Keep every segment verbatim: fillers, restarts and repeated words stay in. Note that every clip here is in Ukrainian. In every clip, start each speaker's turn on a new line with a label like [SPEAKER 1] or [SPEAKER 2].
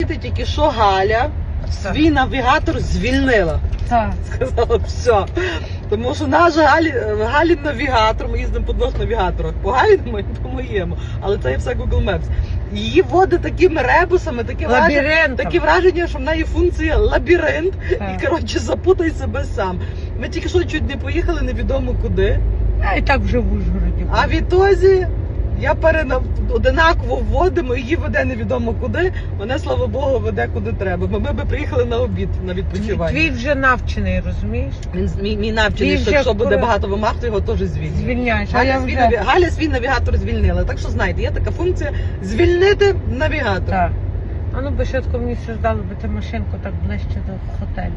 [SPEAKER 1] Тільки що Галя свій навігатор звільнила.
[SPEAKER 2] Так.
[SPEAKER 1] Сказала, все. Тому що наш Галі, Галін навігатор, ми їздимо по двох навігаторах, по Галіному і по моєму, але це є все Google Maps. Її водить такими ребусами, таке враження, таке враження, що в неї функція лабіринт, так. І, коротше, запутай себе сам. Ми тільки що чуть не поїхали невідомо куди.
[SPEAKER 2] А і так вже в Ужгороді.
[SPEAKER 1] А відтоді я перена... одинаково вводимо, її веде невідомо куди, мене, слава Богу, веде куди треба. Ми, ми би приїхали на обід, на відпочивання.
[SPEAKER 2] Твій вже навчений, розумієш?
[SPEAKER 1] Він мій, мій навчений, що якщо буде кури... багато вимаг, то його теж звільнять.
[SPEAKER 2] Звільняєш.
[SPEAKER 1] Галя,
[SPEAKER 2] я
[SPEAKER 1] свій,
[SPEAKER 2] вже...
[SPEAKER 1] наві... Галя свій навігатор звільнила. Так що, знаєте, є така функція звільнити навігатор.
[SPEAKER 2] Так. А ну би швидко мені все здало би ти машинку так ближче до готелю.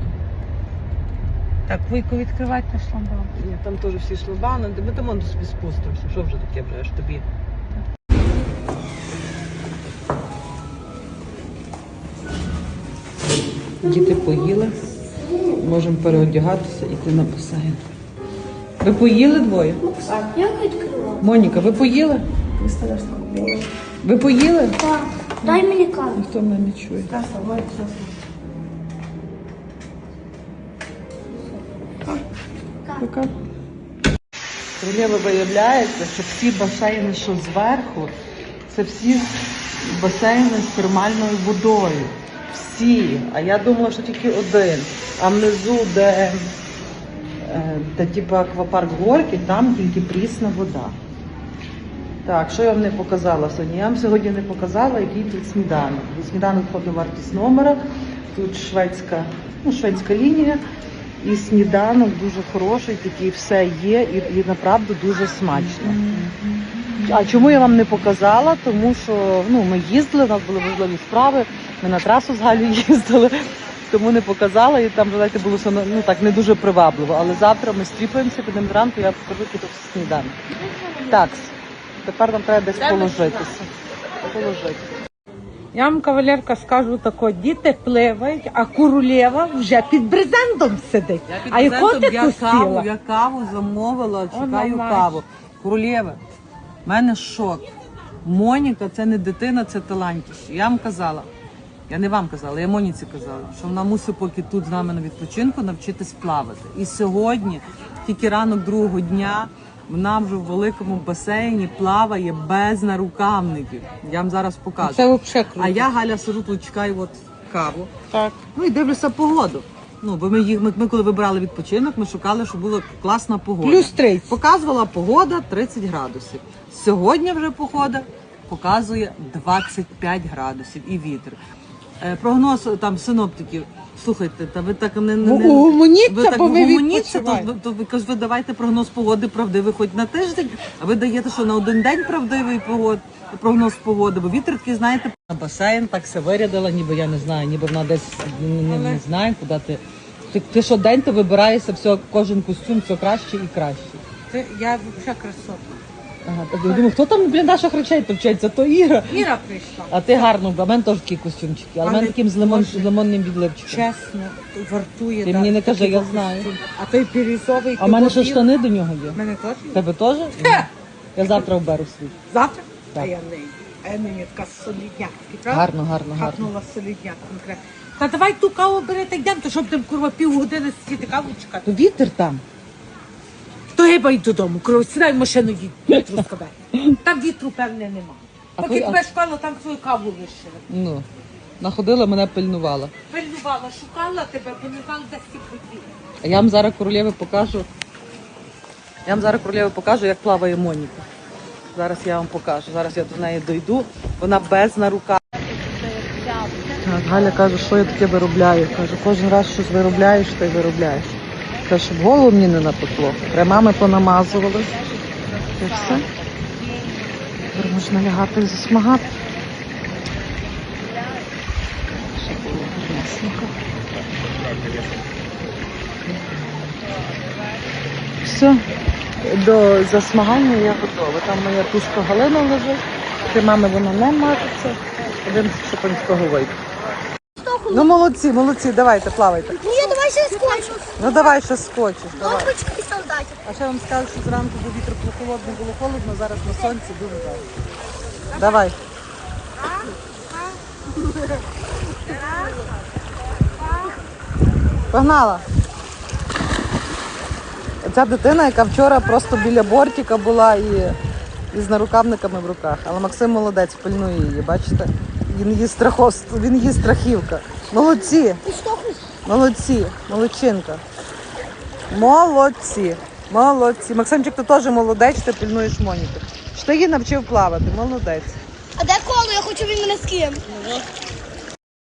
[SPEAKER 2] Так, Вуйку, відкривайте шламбан.
[SPEAKER 1] Ні, там теж всі шламбани, ми там вон собі спустимося. Що вже таке вже аж тобі? Діти поїли, можемо переодягатися і йти на басейн. Ви поїли двоє?
[SPEAKER 3] Так, я відкрила.
[SPEAKER 1] Моніка, ви поїли? Ви поїли?
[SPEAKER 3] Так, дай мені каву.
[SPEAKER 1] Ніхто мене не чує. Яка? Королева, виявляється, що всі басейни, що зверху, це всі басейни з термальною водою. Всі. А я думала, що тільки один. А внизу, де, де типу аквапарк Горький, там тільки прісна вода. Так, що я вам не показала сьогодні? Я вам сьогодні не показала, який тут сніданок. Сніданок входить вартість номера. Тут шведська, ну, шведська лінія. І сніданок дуже хороший, такий все є і, і направду дуже смачно. А чому я вам не показала? Тому що ну, ми їздили, у нас були важливі справи, ми на трасу з Галею їздили, тому не показала і там, знаєте, було ну, так, не дуже привабливо. Але завтра ми стріпаємося, підемо зранку, я покажу, який тут сніданок. Так, тепер нам треба десь положитися. Положитися.
[SPEAKER 2] Я вам, кавалерка, скажу тако, діти пливають, а Королева вже під брезентом сидить.
[SPEAKER 1] Я під
[SPEAKER 2] а яку ти
[SPEAKER 1] я каву,
[SPEAKER 2] сіла?
[SPEAKER 1] я каву замовила, чекаю
[SPEAKER 2] О,
[SPEAKER 1] каву. Королева, в мене шок. Моніка це не дитина, це талантіще. Я вам казала, я не вам казала, я Моніці казала, що вона мусить поки тут з нами на відпочинку навчитись плавати. І сьогодні, тільки ранок другого дня, вона вже в великому басейні плаває без нарукавників. Я вам зараз покажу.
[SPEAKER 2] Це взагалі круто.
[SPEAKER 1] А я, Галя, сижу тут, чекаю от каву.
[SPEAKER 2] Так.
[SPEAKER 1] Ну і дивлюся погоду. Ну, бо ми, їх, ми, ми коли вибирали відпочинок, ми шукали, щоб була класна погода.
[SPEAKER 2] Плюс тридцять.
[SPEAKER 1] Показувала погода тридцять градусів. Сьогодні вже погода показує двадцять п'ять градусів і вітер. Е, прогноз там синоптиків. Слухайте, та ви так не, не, не
[SPEAKER 2] угомоніться,
[SPEAKER 1] ви так
[SPEAKER 2] бо ви
[SPEAKER 1] угомоніться, то,
[SPEAKER 2] відпочиваєте.
[SPEAKER 1] то ви кажете, ви давайте прогноз погоди правдивий хоч на тиждень, а ви даєте, що на один день правдивий погод, прогноз погоди, бо вітер такий, знаєте, на басейн так все вирядила, ніби я не знаю, ніби вона десь не, не, не знає, куди ти. Ти, ти що день ти вибираєшся, все, кожен костюм все краще і краще.
[SPEAKER 2] Ти, я взагалі красотка.
[SPEAKER 1] Ага, так я думаю, хто там, блін, наших речей товчеться, то Іра.
[SPEAKER 2] Іра прийшла.
[SPEAKER 1] А ти гарно, а в мене теж такі костюмчики, але в мене
[SPEAKER 2] Але
[SPEAKER 1] таким з, лимон,
[SPEAKER 2] Боже,
[SPEAKER 1] з лимонним відливчиком.
[SPEAKER 2] Чесно, вартує.
[SPEAKER 1] Ти
[SPEAKER 2] да,
[SPEAKER 1] мені не кажи,
[SPEAKER 2] такий
[SPEAKER 1] я
[SPEAKER 2] костюм.
[SPEAKER 1] знаю.
[SPEAKER 2] А той бірюзовий.
[SPEAKER 1] А в мене ще
[SPEAKER 2] того
[SPEAKER 1] штани до нього є.
[SPEAKER 2] У мене теж є.
[SPEAKER 1] Тебе теж?
[SPEAKER 2] Хе!
[SPEAKER 1] Я завтра оберу свій.
[SPEAKER 2] Завтра?
[SPEAKER 1] Так.
[SPEAKER 2] А я не. А я не така солідняк. правда?
[SPEAKER 1] Гарно, гарно, гарно.
[SPEAKER 2] Хапнула солідняк конкретно. Та давай ту каву бери, та йдемо, то щоб там, курва, півгодини сидіти каву чекати.
[SPEAKER 1] То вітер там.
[SPEAKER 2] То гиба й додому, курва, сідай в машину, їдь, вітру скабе. Там вітру, певне, нема.
[SPEAKER 1] А
[SPEAKER 2] Поки
[SPEAKER 1] коли-
[SPEAKER 2] тебе шукала, там свою каву вишили.
[SPEAKER 1] Ну, находила, мене пильнувала.
[SPEAKER 2] Пильнувала, шукала тебе, бо не знала, де всі поділи.
[SPEAKER 1] А я вам зараз королєві покажу. Я вам зараз королєві покажу, як плаває Моніка. Зараз я вам покажу. Зараз я до неї дойду. Вона без нарука. Так, Галя каже, що я таке виробляю. Каже, кожен раз щось виробляєш, та й виробляєш. Каже, щоб голову мені не напекло. Кремами понамазували. І все. Тепер можна лягати і засмагати. Ще було ясненько. Все, до засмагання я готова. Там моя тушка Галина лежить, кремами вона не мажеться. Один шипанського вийде. Ну молодці, молодці, давайте, плавайте.
[SPEAKER 3] Ні, давай ще скотч.
[SPEAKER 1] Ну давай ще скочиш. Давай.
[SPEAKER 3] Лампочки і солдатів.
[SPEAKER 1] А ще вам скажу, що зранку був вітер прохолодний, було холодно, зараз на сонці дуже жарко. Давай. Погнала. Ця дитина, яка вчора просто біля бортика була і, і з нарукавниками в руках. Але Максим молодець, пильнує її, бачите? Він її страхов, він її страхівка. Молодці, молодці, молодчинка. Молодці, молодці. Максимчик, ти теж молодець, ти пильнуєш Моніку. Що ти її навчив плавати, молодець.
[SPEAKER 3] А де коло? Я хочу він мене з ким.